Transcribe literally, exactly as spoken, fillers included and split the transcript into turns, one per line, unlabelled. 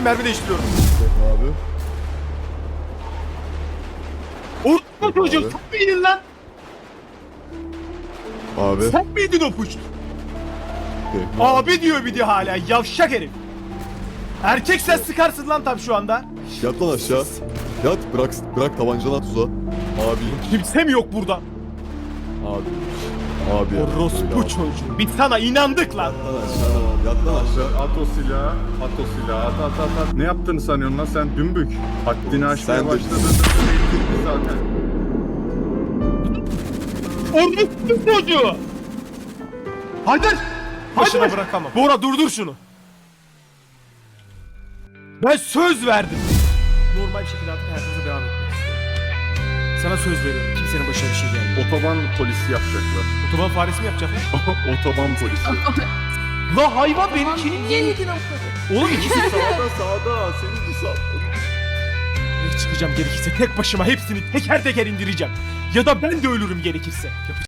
mermi değiştiriyorum.
Abi.
Orada çocuğum
Abi.
sen miydin lan?
Abi.
Sen miydin o puş?
Tekme
Abi diyor bir de hala yavşak herif. Erkek sen sıkarsın lan tam şu anda.
Yat lan aşağı. Yat bırak bırak tabancanı at uza. Abi.
Kimse mi yok burada?
Abi. Abi ya.
Orospu
Öyle abi.
çocuğu. Biz sana inandık lan.
Yat lan aşağı. Yat lan aşağı.
At o silahı, at o silahı, at at at at. Ne yaptığını sanıyorsun lan sen dümbük? Haddini aşmaya
Sen de-
başladığında belli zaten.
Orospu çocuğu.
Hadi!
Başına
Hadi!
bırakamam. Bora durdur şunu. Ben söz verdim. Normal bir şekilde artık hayatımıza devam etmek istiyorum. Sana söz veriyorum. Kimsenin başına bir şey gelmiyor.
Otoban polisi yapacaklar.
Otoban faresi mi yapacaklar?
Otoban polisi.
La hayvan benimkini niye yedin amına? Oğlum ikisi de
Sağda sağda. Senin sağ.
çıkacağım gerekirse tek başıma hepsini teker teker indireceğim. Ya da ben de ölürüm gerekirse.